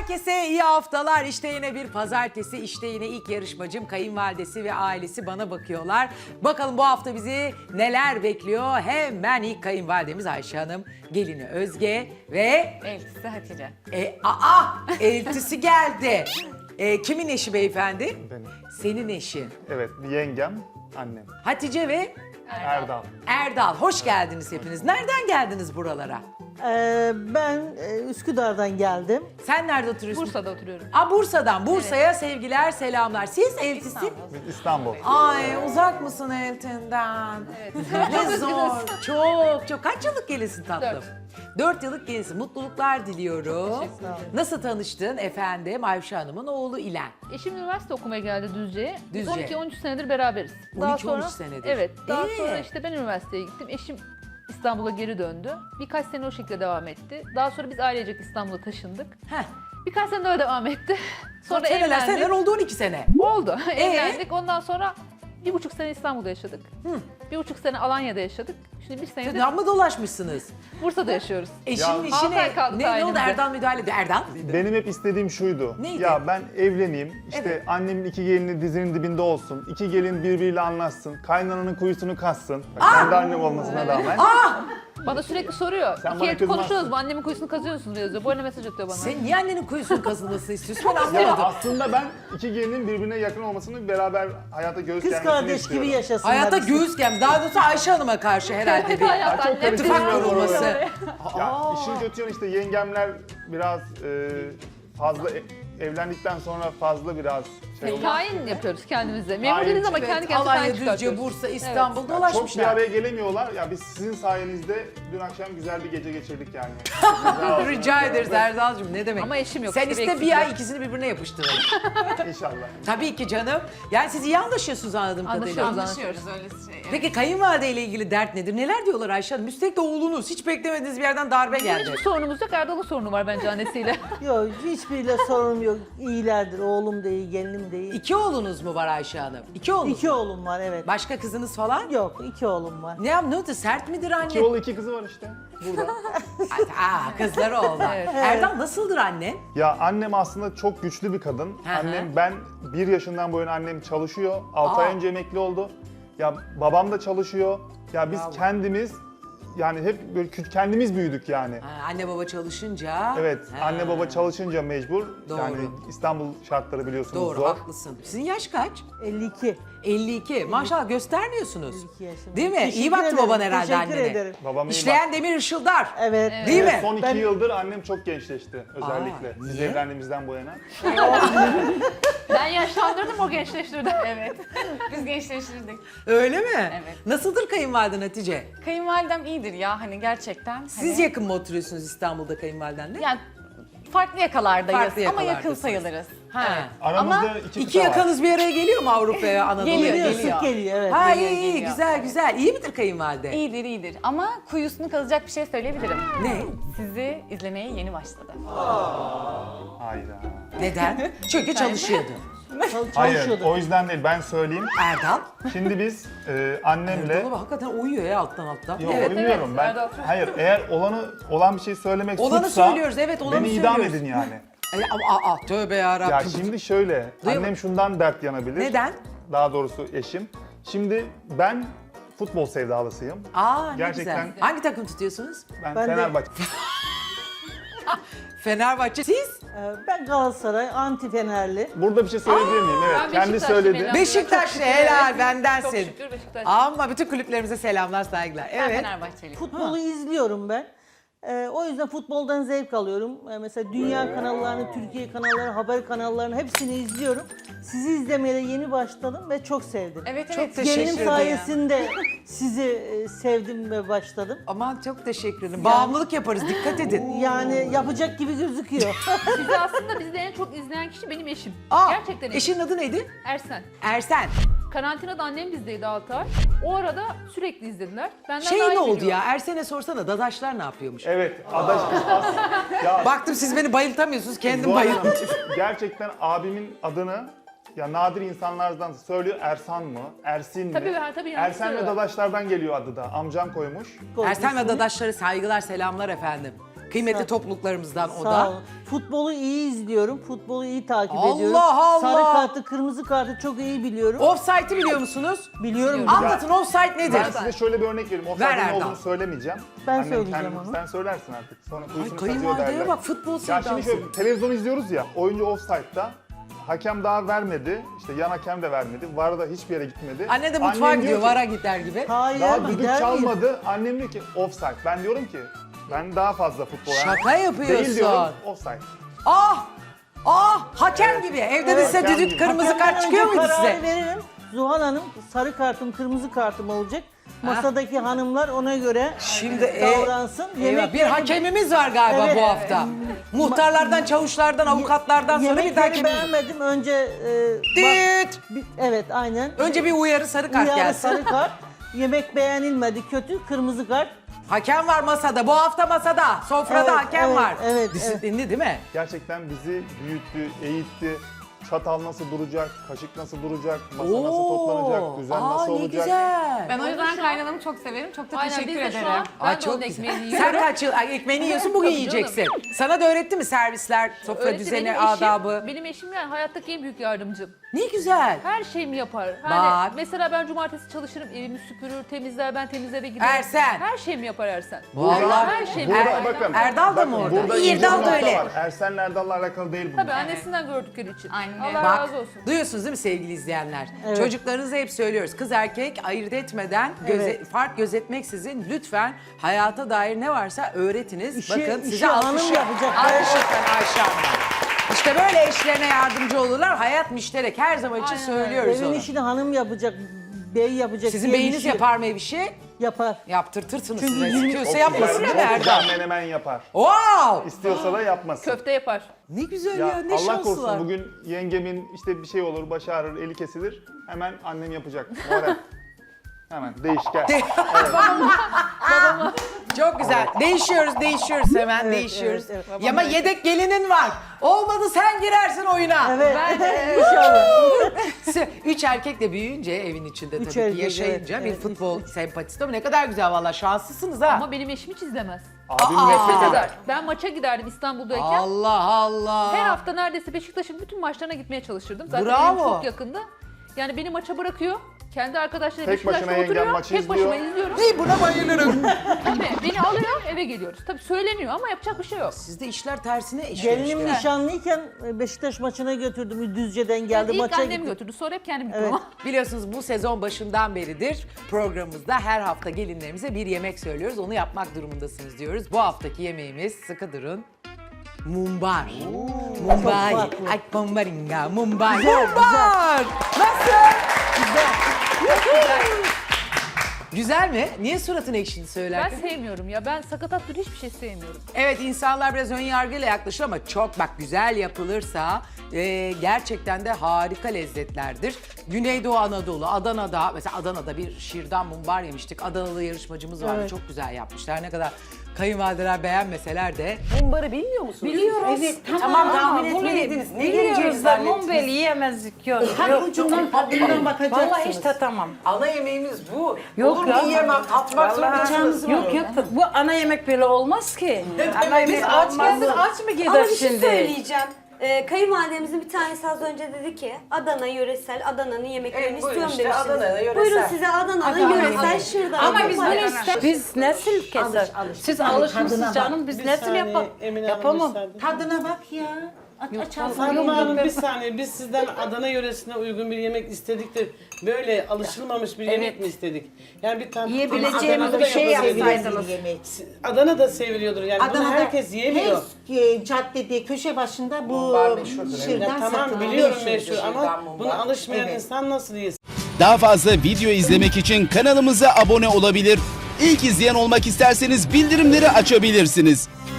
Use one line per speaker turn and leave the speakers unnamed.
Herkese iyi haftalar. İşte yine bir pazartesi. İşte yine ilk yarışmacım kayınvalidesi ve ailesi bana bakıyorlar. Bakalım bu hafta bizi neler bekliyor? Hemen ilk kayınvalidemiz Ayşe Hanım, gelini Özge ve
Eltisi Hatice.
eltisi geldi. Kimin eşi beyefendi?
Benim.
Senin eşin.
Evet, yengem, annem.
Hatice ve
Erdal.
Erdal. Hoş geldiniz hepiniz. Nereden geldiniz buralara?
Ben Üsküdar'dan geldim.
Sen nerede oturuyorsun?
Bursa'da oturuyorum.
Bursa'dan. Bursa'ya sevgiler, selamlar. Siz eltisi?
Biz İstanbul.
Ay uzak mısın Eltin'den? Evet. Ne zor. Çok. Kaç yıllık gelinsin tatlım? 4 yıllık gelinsin. Mutluluklar diliyorum. Nasıl tanıştın efendim Ayşe Hanım'ın oğlu İlen?
Eşim üniversite okumaya geldi Düzce'ye. Biz
Düzce.
12-13 senedir beraberiz.
12-13 senedir.
Evet. Daha sonra işte ben üniversiteye gittim. Eşim İstanbul'a geri döndü. Birkaç sene o şekilde devam etti. Daha sonra biz ailecek İstanbul'a taşındık.
Heh.
Birkaç sene öyle devam etti. Sonra
Seneler
evlendik.
oldu 12 sene.
Oldu. Evlendik. Ondan sonra 1,5 sene İstanbul'da yaşadık. 1,5 sene Alanya'da yaşadık. Şimdi bir senedir
Amma dolaşmışsınız.
Bursa'da yaşıyoruz.
Eşinin
Ya-
işine
6 ay kaldı
ne oldu
sayenizde.
Erdal müdahale ediyor. Erdal.
Benim hep istediğim şuydu.
Neydi?
Ya ben evleneyim, işte
Evet.
annemin iki gelini dizinin dibinde olsun, iki gelin birbiriyle anlaşsın, kaynananın kuyusunu kassın. Bak, kendi annem olmasına rağmen.
Bana sürekli soruyor.
Sen
İki
bana
el
kızmazsın.
konuşuyoruz mu? Annemin kuyusunu kazıyorsunuz yazıyor. Bu arada mesaj atıyor bana.
Sen niye annenin kuyusunun kazınmasını istiyorsun? Ben
Ya
anlamadım.
aslında ben iki gelinin birbirine yakın olmasını, beraber hayata göğüs
Kız
germesini
kardeş
istiyorum.
gibi yaşasınlar.
Hayata
işte.
göğüs gem. Daha doğrusu Ayşe Hanım'a karşı herhalde bir
Hayat
çok
annem
ittifak
karıştırmıyorum
kurulması.
oraları. Ya işin kötü yanı işte yengemler biraz fazla evlendikten sonra fazla biraz şey oldu.
Tayin yapıyoruz kendimize. Memur
Tayin.
değiliz ama
Evet,
kendi kendimize
Alanya,
tayin
Düzce,
çıkartıyoruz.
Bursa, İstanbul
Çok bir
dolaşmışlar.
araya gelemiyorlar. Ya biz sizin sayenizde dün akşam güzel bir gece geçirdik yani.
Rica ederiz Erdal'cığım ne demek.
Ama eşim yok,
Sen
işte bir
iste bir
eksiklik.
ay ikisini birbirine yapıştıralım.
İnşallah.
Tabii ki canım. Yani siz iyi anlaşıyorsunuz anladığım kadarıyla.
Anlaşıyoruz.
öyle şey.
Peki kayınvalide ile ilgili dert nedir? Neler diyorlar Ayşe Hanım? Üstelik de oğlunuz. Hiç beklemediğiniz bir yerden darbe geldi.
Hiçbir sorunumuz yok. Erdal'ın sorunu var bence annesiyle.
Yok hiçbiriyle sorunum yok. İyilerdir. Oğlum da iyi, gelinim de iyi.
İki oğlunuz mu var Ayşe Hanım? İki oğlunuz
İki
mu?
oğlum var evet.
Başka kızınız falan?
Yok iki oğlum var.
Ne oldu? Sert midir anne?
İki oğlu iki kızı var işte burada.
Kızları oldu.
Evet.
Erdal nasıldır annen?
Ya annem aslında çok güçlü bir kadın.
Hı hı.
Annem ben 1 yaşından bu yana annem çalışıyor. 6 ay önce emekli oldu. Ya babam da çalışıyor. Ya biz
Bravo.
kendimiz yani hep böyle kendimiz büyüdük yani.
Anne baba çalışınca.
Evet,
Ha,
anne baba çalışınca mecbur.
Doğru.
Yani İstanbul şartları biliyorsunuz
Doğru
zor.
haklısın. Sizin yaş kaç?
52.
52. Maşallah göstermiyorsunuz.
52 yaşında.
Değil mi? İyi
Teşekkür
baktı
ederim,
baban herhalde
teşekkür
annene.
ederim.
Babam iyi
İşleyen demir ışıldar.
Evet.
Değil mi?
Son 2
Ben-
yıldır annem çok gençleşti özellikle. Siz
niye?
evlendiğimizden bu yana.
Ben yaşlandırdım, o gençleştirdi.
Evet. Biz gençleştirdik.
Öyle mi?
Evet.
Nasıldır kayınvaliden Hatice?
Kayınvalidem iyidir ya hani gerçekten.
Siz
hani,
yakın mı oturuyorsunuz İstanbul'da kayınvalidenle?
yani farklı yakalardayız
Farklı
ama yakın
yakalardasınız.
sayılırız.
Ha.
Aramızda
Ama
iki
İki
kıta var.
yakanız bir araya geliyor mu Avrupa'ya, Anadolu'ya?
Geliyor,
Sık geliyor evet.
Ha
Geliyor,
iyi
geliyor.
güzel. İyi midir kayınvalide?
İyidir. Ama kuyusunu kazacak bir şey söyleyebilirim.
Ne?
Sizi izlemeye yeni başladı.
Hayda.
Neden? Çünkü çalışıyordu.
Hayır,
Çalışıyordu.
o yüzden değil. Ben söyleyeyim.
Erdal.
Şimdi biz annemle...
Erdal hakikaten uyuyor ya alttan.
Yok
Evet.
bilmiyorum ben.
Erdal çok-
Hayır, eğer olan bir şey söylemek
Olanı
suçsa
söylüyoruz, evet, olanı
beni idam
söylüyoruz.
edin yani.
Tövbe yarabbim.
Ya şimdi şöyle,
Duyuyor
annem şundan dert yanabilir.
Neden?
Daha doğrusu eşim. Şimdi ben futbol sevdalısıyım.
Ne
Gerçekten-
güzel. Hangi takım tutuyorsunuz?
Ben
Ben de-
Fenerbahçe.
Fenerbahçe. Siz?
Ben Galatasaray, anti Fenerli.
Burada bir şey söyleyebilir miyim? Evet,
Ben
kendi
Beşiktaşlıyım
söyledi.
Ela.
Beşiktaşlı
Çok şükür,
helal
evet.
bendensin.
Çok şükür Beşiktaş.
Ama bütün kulüplerimize selamlar saygılar.
Ben
Evet.
Fenerbahçeliyim.
Futbolu izliyorum ben. O yüzden futboldan zevk alıyorum. Mesela dünya kanallarını, Türkiye kanallarını, haber kanallarını hepsini izliyorum. Sizi izlemeye de yeni başladım ve çok sevdim.
Evet
Çok
evet.
teşekkür
Gelinim
ederim.
sayesinde sizi sevdim ve başladım.
Aman çok teşekkür ederim. Bağımlılık yaparız dikkat edin.
Yani yapacak gibi gözüküyor.
Bizi aslında bizde en çok izleyen kişi benim eşim. Gerçekten eşim.
Eşinin adı neydi?
Ersen.
Ersen.
Karantinada annem bizdeydi 6 ay. O arada sürekli izlediler. Benden daha
Şey
iyi
ne oldu
biliyor.
ya? Ersen'e sorsana Dadaşlar ne yapıyormuş?
Evet, adaş kız as. Ya
Baktım siz beni bayıltamıyorsunuz. Kendim
Zuhal Hanım,
bayıldım.
gerçekten abimin adını ya nadir insanlardan söylüyor. Ersan mı? Ersin mi?
Tabii, tabii, yanlış
Ersen ve
söylüyorlar.
Dadaşlardan geliyor adı da. Amcam koymuş.
Ersen ve Dadaşları saygılar selamlar efendim. Kıymetli topluluklarımızdan o
Sağ
da.
olun. Futbolu iyi izliyorum. Futbolu iyi takip
Allah
ediyorum.
Allah!
Sarı kartı, kırmızı kartı çok iyi biliyorum.
Offside'ı biliyor musunuz?
Biliyorum.
Anlatın offside nedir?
Ben size şöyle bir örnek vereyim.
Ver
Offside'ın ne
Erdal.
olduğunu söylemeyeceğim.
Ben
Annem
söyleyeceğim
kendi-
onu.
Sen söylersin artık. Sonra
Ay
kuyusunu kazıyor
kayınvalideye
derler.
bak futbol
Ya
sevdası.
şimdi şöyle televizyon izliyoruz ya. Oyuncu offside'da. Hakem daha vermedi. İşte yan hakem de vermedi. VAR da hiçbir yere gitmedi.
Anne de
Annem
mutfağa
diyor
gidiyor,
ki,
vara gider gibi.
Hayır,
Daha düdük
gider miyim?
çalmadı. Annem diyor ki offside. Ben diyorum ki ben daha fazla futbol.
Şaka yapıyorsun.
Değil diyorum offside.
Ah! Ah! Hakem gibi. Evde de size
hakem
düdük
gibi.
kırmızı
Hakemden
kart çıkıyor
önce
muydu
kararı
size?
veririm. Zuhal Hanım sarı kartım, kırmızı kartım olacak. Masadaki hanımlar ona göre
Şimdi
davransın.
eyvah, bir hakemimiz var galiba
Evet.
bu hafta. Muhtarlardan, çavuşlardan, avukatlardan sonra bir de
Yemekleri
hakemimiz.
beğenmedim. Önce
Düt!
evet aynen.
Önce bir uyarı sarı kart
Uyarı
gelsin.
sarı kart. Yemek beğenilmedi, kötü, kırmızı kart.
Hakem var masada. Bu hafta masada. Sofrada
Evet,
hakem
evet,
var.
evet,
Disiplinli değil mi?
Gerçekten bizi büyüttü, eğitti. Çatal nasıl duracak, kaşık nasıl duracak, masa nasıl toplanacak, düzen
Aa,
nasıl
ne
olacak.
güzel.
Ben o yüzden
Şu an-
kaynanamı çok severim. Çok da
Aynen
teşekkür
biz de şu
ederim.
an ben de
çok
onun
güzel.
ekmeğini
Sen
yiyorum.
kaç yıl ekmeğini yiyorsun, bugün
Tabii canım.
yiyeceksin. Sana da öğretti mi servisler, sofra
Öğretti,
düzeni,
benim eşim-
adabı?
Benim eşim yani hayattaki en büyük yardımcım.
Ne güzel.
Her şeyimi yapar.
Bak.
Hani mesela ben cumartesi çalışırım, evimi süpürür, temizler, ben temiz eve giderim.
Ersen.
Her şeyimi yapar Ersen.
Vallahi.
Her şeyimi
Burada
yapar.
bakın.
Erdal da mı
bakın,
orada?
Burada ince bir
Erdal da
nokta
öyle.
var. Ersen'le Erdal'la alakalı değil bu.
Tabii annesinden gördükleri için.
Aynen
Allah
öyle.
Bak,
razı olsun.
duyuyorsunuz değil mi sevgili izleyenler?
Evet.
Çocuklarınıza hep söylüyoruz. Kız erkek ayırt etmeden,
Evet.
fark gözetmeksizin lütfen hayata dair ne varsa öğretiniz.
İşi-
Bakın
işi
size
hanım
alkış
yapacak.
Alkışlıklar Ayşe Hanım. İşte böyle eşlerine yardımcı olurlar. Hayat müşterek. Her zaman için
Aynen
söylüyoruz
Evin
onu.
işini hanım yapacak, bey yapacak.
Sizin
diye bir
beyiniz
şey
yapar mı ev işi?
Yapar.
Yaptırtırsınız
Çünkü
size.
yirmi-
İstiyorsa
Çok
yapmasın
güzel,
değil mi
çok güzel
Erdal?
menemen yapar.
Wow!
İstiyorsa da yapmasın.
Köfte yapar.
Ne güzel
Ya
ya, ne
Allah
şansı
korusun
var.
bugün yengemin işte bir şey olur, başı ağrır, eli kesilir. Hemen annem yapacak. Moral. Hemen değiş gel.
Çok güzel. Değişiyoruz hemen
Evet,
değişiyoruz.
evet, evet.
Ya ama yedek gelinin var. Olmadı sen girersin oyuna.
Evet.
Ben
İnşallah.
3 erkekle büyüyünce evin içinde
Üç
tabii ki
erkek,
yaşayınca
evet,
bir
evet.
futbol sempatisi. Tabii ne kadar güzel valla şanslısınız ha.
ama benim eşim hiç izlemez.
Abim
Aa!
nefret
Ne
eder.
kadar? Ben maça giderdim İstanbul'dayken.
Allah Allah.
Her hafta neredeyse Beşiktaş'ın bütün maçlarına gitmeye çalışırdım. Zaten
Bravo.
evim çok yakında. Yani beni maça bırakıyor. Kendi arkadaşlarıyla
Tek başına
Beşiktaş'ta
yengem
oturuyor.
maçı
Tek başıma
izliyor.
izliyorum.
Hey, buna bayılırım.
Beni alıyor eve geliyoruz. Tabii söyleniyor ama yapacak bir şey yok.
Sizde işler tersine işliyor
Gelinim
işte.
nişanlıyken Beşiktaş maçına götürdüm. Düzce'den geldi
İlk
maça
annem
gitti.
götürdü sonra hep kendim gittim
Evet.
ama.
Biliyorsunuz bu sezon başından beridir programımızda her hafta gelinlerimize bir yemek söylüyoruz. Onu yapmak durumundasınız diyoruz. Bu haftaki yemeğimiz, sıkı durun, mumbar. Mumbar.
Çok farklı.
Ay mumbaringa, mumbar.
Güzel,
Mumbar. Nasıl?
Güzel.
Güzel mi? Niye suratın ekşidi
Ben
söylerken?
sevmiyorum ya. Ben sakatat türü hiçbir şey sevmiyorum.
Evet, insanlar biraz ön yargıyla yaklaşıyor ama çok bak güzel yapılırsa gerçekten de harika lezzetlerdir. Güneydoğu Anadolu, Adana'da mesela Adana'da bir şirdan mumbar yemiştik. Adanalı yarışmacımız vardı.
Evet.
Çok güzel yapmışlar. Ne kadar kayınvalideler beğenmeseler de.
Mumbarı bilmiyor musunuz?
Biliyoruz.
Evet.
Tamam, tahmin
Ama bunu
etmeliydiniz. Ne
Biliyoruz
geleceğini
da
zannettiniz?
mumbeli yiyemezdik yok.
Her ucundan tadından bakacaksınız.
Vallahi hiç tatamam.
Ana yemeğimiz bu.
Yok
Olur
ya.
mu yiyemem, tatmak zorundasınız.
Yok yok bu ana yemek böyle olmaz ki. Ana yemek
Aç
olmaz.
geldik aç mı gider
Ama bir şey
şimdi?
söyleyeceğim. Kayınvalidemizin bir tanesi az önce dedi ki Adana yöresel, Adana'nın yemeklerini
Evet, buyurun
istiyorum
işte,
demiştiniz.
Adana'da yöresel.
Buyurun size Adana'nın yöresel şırdan.
Ama biz bunu
yapar.
ister. Biz nesil keser. Siz alışmışsınız canım biz nesil yapalım. Yapamam.
Tadına bak ya. Aç al.
Hanım Hanım bir saniye biz sizden Adana yöresine uygun bir yemek istedik de böyle alışılmamış bir yemek mi istedik? Yani bir tane
Yiyebileceğimiz bir şey yapsaydınız.
Adana'da seviliyordur yani bunu
Adana'da
herkes yiyemiyor.
Her caddede, köşe başında bu
Mumbar meşhurdur, evet.
Ya
şırdan
tamam
satılıyor.
biliyorum
Meşhurdur.
meşhur ama buna alışmayan
Evet.
insan nasıl yesin?
Daha fazla video izlemek için kanalımıza abone olabilir. İlk izleyen olmak isterseniz bildirimleri açabilirsiniz.